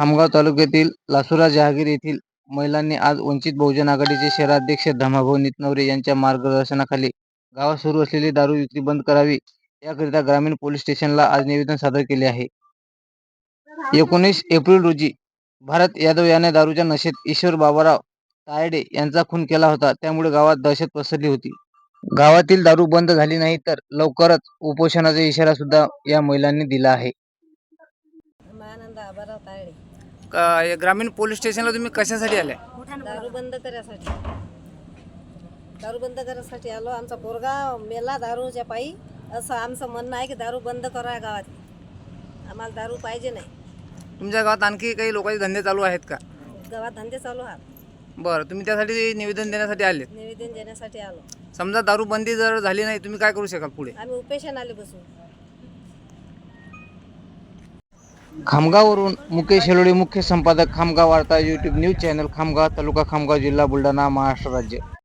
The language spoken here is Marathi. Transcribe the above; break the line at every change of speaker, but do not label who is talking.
खामगाव तालुक्यातील लासुरा जहागीर येथील महिलांनी आज वंचित बहुजन आघाडीचे शहराध्यक्ष धमाभाऊ नितनवरे यांच्या मार्गदर्शनाखाली गावात सुरू असलेली दारू विक्री बंद करावी याकरिता ग्रामीण पोलीस स्टेशनला आज निवेदन सादर केले आहे. 19 एप्रिल रोजी भारत यादव याने दारूच्या नशेत ईश्वर बाबाराव तायडे यांचा खून केला होता. त्यामुळे गावात दहशत पसरली होती. गावातील दारू बंद झाली नाही तर लवकरच उपोषणाचा इशारा सुद्धा या महिलांनी दिला आहे.
ग्रामीण पोलीस स्टेशनला तुम्ही कशासाठी आले?
दारू बंद करायसाठी आलो. आमचा पोरगा मेला दारूच्या पायी, असं आमचं म्हणणं आहे की दारू बंद करा गावात. आम्हाला दारू पाहिजे नाही.
तुमच्या गावात आणखी काही लोकांचे धंदे चालू आहेत का?
गावात धंदे चालू आहेत.
बरं, तुम्ही त्यासाठी निवेदन देण्यासाठी आले?
निवेदन देण्यासाठी आलो.
समजा दारू बंदी जर झाली नाही, तुम्ही काय करू शकाल पुढे?
आम्ही उपेशनाले बसू.
खामगाववरून मुकेश हेलोडे, मुख्य संपादक, Khamgaon Varta, YouTube news channel, Khamgaon taluka, Khamgaon जिल्हा, बुलढाणा, महाराष्ट्र राज्य.